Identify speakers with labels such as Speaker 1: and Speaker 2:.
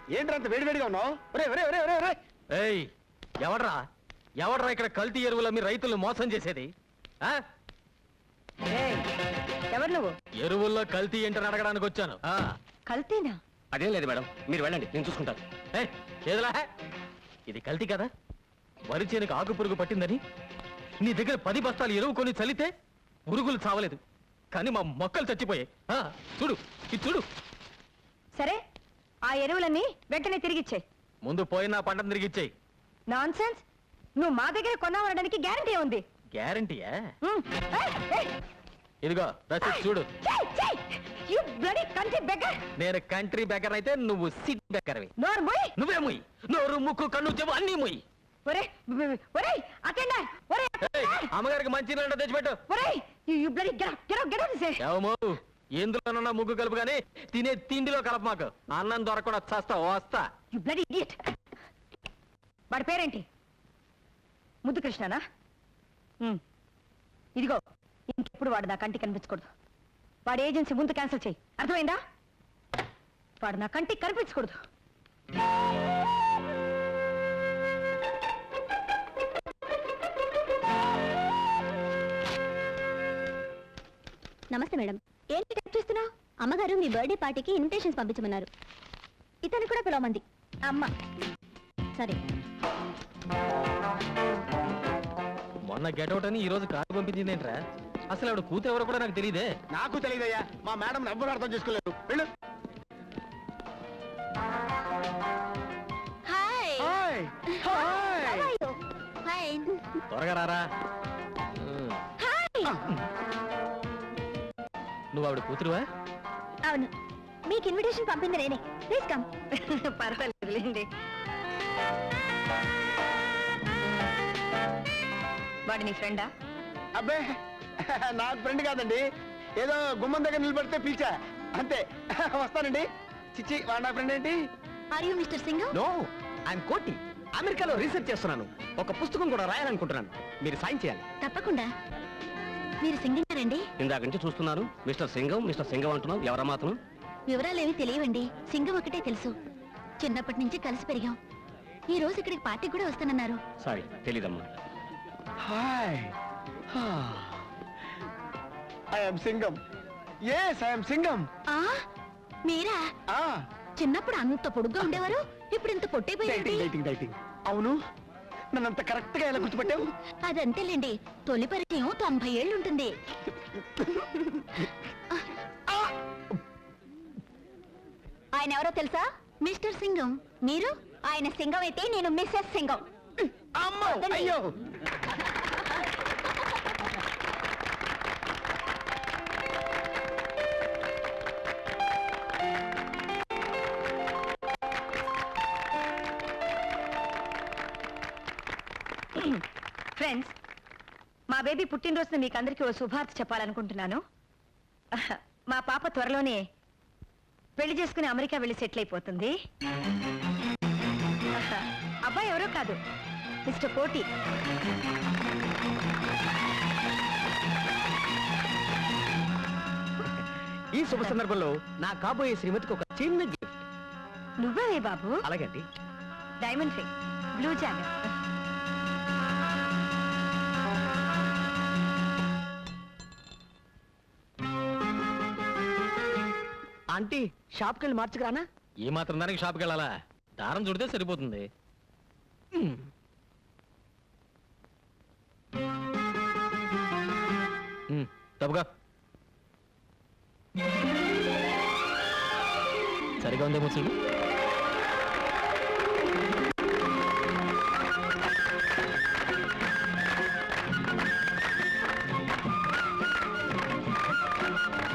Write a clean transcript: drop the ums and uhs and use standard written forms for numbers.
Speaker 1: ఏంటంత వేడివేడిగా ఉన్నావు?
Speaker 2: ఏయ్, ఎవడ్రా ఎవడ్రా ఇక్కడ కల్తీ ఎరువుల మీ రైతులను మోసం చేసేది?
Speaker 3: ఎవరు నువ్వు?
Speaker 2: ఎరువుల్లో కల్తీ ఏంటని అడగడానికి వచ్చాను.
Speaker 3: కల్తీనా?
Speaker 1: అదేం లేదు మేడం, మీరు వెళ్ళండి, నేను చూసుకుంటాను.
Speaker 2: ఏదిలా ఇది కల్తీ కదా? వరి చేనుకు ఆకు పురుగు పట్టిందని నీ దగ్గర 10 బస్తాలు ఎరువు కొని చల్లితే పురుగులు చావలేదు, కానీ మా మొక్కలు చచ్చిపోయాయి. చూడు ఇది చూడు.
Speaker 3: సరే, ఆ ఎరువులన్నీ వెంటనే తిరిగిచ్చాయి.
Speaker 2: ముందు పోయిన పంటను తిరిగిచ్చాయి.
Speaker 3: Non sense! నువ్వు మా దగ్గర కొన్నావనడానికి గ్యారంటీ ఉంది.
Speaker 2: గ్యారంటీయా? ఇదిగో రసీదు చూడు. నేను కంట్రీ బెగ్గర్ అయితే నువ్వు సిటీ బెగ్గర్వి. నువ్వే ముయ్యి. నోరు ముక్కు కన్ను చెవు అన్ని ముయ్యి. అమ్మగారికి మంచి నీళ్ళ తెచ్చిపెట్టు. ఎందులోనన్నా ముగ్గు కలుపు గానీ తినే తిండిలో కలప. మాకు అన్నం దొరకకుండా చస్తా వస్తా.
Speaker 3: వాడి పేరేంటి? ముద్దు కృష్ణనా? ఇదిగో, ఇంకెప్పుడు వాడు నా కంటికి కనిపించకూడదు. వాడి ఏజెన్సీ ముందు క్యాన్సిల్ చేయి, అర్థమైందా? వాడు నా కంటికి కనిపించకూడదు.
Speaker 4: నమస్తే మేడం. ఏంటి టైప్ చేస్తున్నావు? అమ్మగారు మీ బర్త్డే పార్టీకి ఇన్విటేషన్స్ పంపించమన్నారు. ఇతను కూడా పిలవమంది అమ్మ. సరే.
Speaker 2: మొన్న గెటౌట్ అని ఈ రోజు కారు పంపించింది ఏంట్రా? అసలు ఆవిడ కూతురు ఎవరో కూడా నాకు తెలియదే.
Speaker 1: నాకు తెలియదయ్యా, మా మేడం ఎవ్వరు అర్థం చేసుకోలేరు. వెళ్ళు.
Speaker 2: త్వరగా రారా. నువ్వు ఆవిడ కూతురువా?
Speaker 4: అవును, మీకు ఇన్విటేషన్ పంపింది నేనే. Please come.
Speaker 3: పర్వాలేదులేండి. వాడు నీ ఫ్రెండా?
Speaker 1: అబ్బే, నాకు ఫ్రెండ్ కాదండి, ఏదో గుమ్మం దగ్గర నిలబడితే పిలిచా అంతే. వస్తానండి. చిచ్చి, వాడు నా ఫ్రెండ్ ఏంటి?
Speaker 4: Are you mister Singam?
Speaker 1: No, I'm Koti. అమెరికాలో రీసెర్చ్ చేస్తున్నాను. ఒక పుస్తకం కూడా రాయాలనుకుంటున్నాను. మీరు సాయం చేయాలి.
Speaker 4: తప్పకుండా. మీరు సింగంగారండి?
Speaker 1: ఇందాక నుంచి చూస్తున్నాను. మిస్టర్ సింగం అంటున్నావు. ఎవరా మాత్రం?
Speaker 4: వివరాలేవి తెలియవండి. సింగం ఒకటే తెలుసు. చిన్నప్పటి నుంచి కలిసి పెరిగాం. ఈ రోజు ఇక్కడికి పార్టీ కూడా వస్తానన్నారు.
Speaker 1: సారీ, తెలీదమ్మా. Hi, I'm Singam. yes, I'm Singam.
Speaker 4: మీరా? చిన్నప్పుడు అంత పొడుగ్గా ఉండేవారు, ఇప్పుడు ఇంత పొట్టైపోయారు.
Speaker 1: అవును, నన్నంత కరెక్ట్ గా ఎలా గుర్తుపట్టావు?
Speaker 4: అదంతేలేండి, తొలి పరిచయం 90 ఏళ్ళు ఉంటుంది. ఆయన ఎవరో తెలుసా? మిస్టర్ సింగం. మీరు? ఆయన సింగం అయితే నేను మిస్సెస్ సింగం.
Speaker 1: అయ్యో,
Speaker 3: ఫ్రెండ్స్, మా బేబీ పుట్టినరోజున మీకు అందరికీ ఓ శుభార్త చెప్పాలనుకుంటున్నాను. మా పాప త్వరలోనే పెళ్లి చేసుకుని అమెరికా వెళ్ళి సెటిల్ అయిపోతుంది. అబ్బాయి ఎవరో కాదు, మిస్టర్ కోటి.
Speaker 1: ఈ శుభ సందర్భంలో నా కాబోయే శ్రీమతికి ఒక చిన్న గిఫ్ట్.
Speaker 3: నువ్వే బాబు?
Speaker 1: అలాగండి.
Speaker 3: Diamond ring, blue jacket.
Speaker 1: Aunty, షాప్కి వెళ్ళి మార్చుకురానా?
Speaker 2: ఏ మాత్రం దానికి షాప్కి వెళ్ళాలా? దారం చుడితే సరిపోతుంది. తప్పుగా సరిగా ఉందేమో చూడు.